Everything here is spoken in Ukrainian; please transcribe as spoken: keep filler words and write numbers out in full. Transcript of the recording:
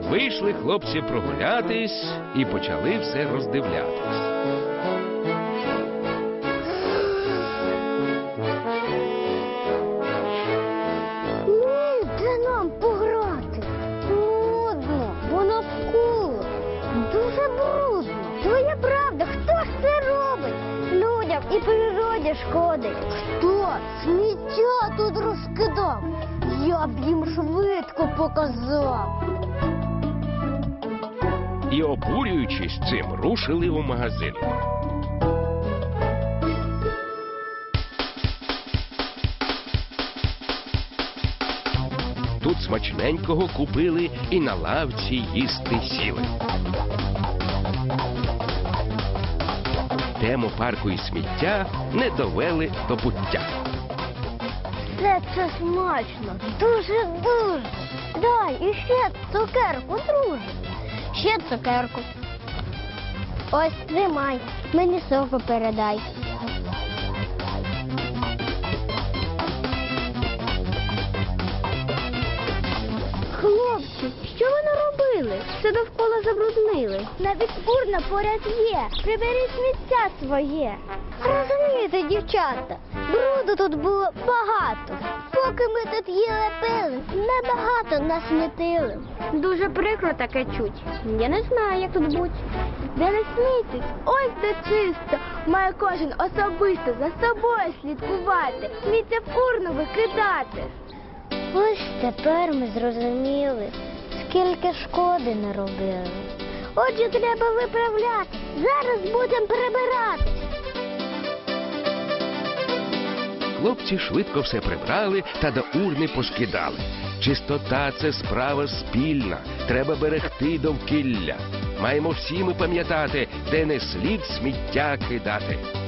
Вийшли хлопці прогулятись і почали все роздивлятись. Де нам пограти? Нудно, бо навколо дуже брудно. Твоя правда, хто ж це робить? Людям і природі шкодить. Хто сміття тут розкидав? Я б їм швидко показав. І, обурюючись цим, рушили у магазин. Тут смачненького купили і на лавці їсти сіли. Тему парку і сміття не довели до пуття. Все це смачно, дуже-дуже. Дай іще цукерку, друже. Ще цукерку. Ось, тримай, мені соку передай. Хлопці, що ви наробили? Все довкола забруднили. Навіть урна поряд є. Приберіть сміття своє. Розумієте, дівчата, бруду тут було багато. Поки ми тут їли пили, небагато насмітили. Дуже прикро таке чуть. Я не знаю, як тут бути. Де не смійтесь, ось де чисто. Має кожен особисто за собою слідкувати, сміття в урну викидати. Ось тепер ми зрозуміли, скільки шкоди наробили. Отже, треба виправляти. Зараз будемо прибирати. Хлопці швидко все прибрали та до урни поскидали. Чистота – це справа спільна, треба берегти довкілля. Маємо всі ми пам'ятати, де не слід сміття кидати.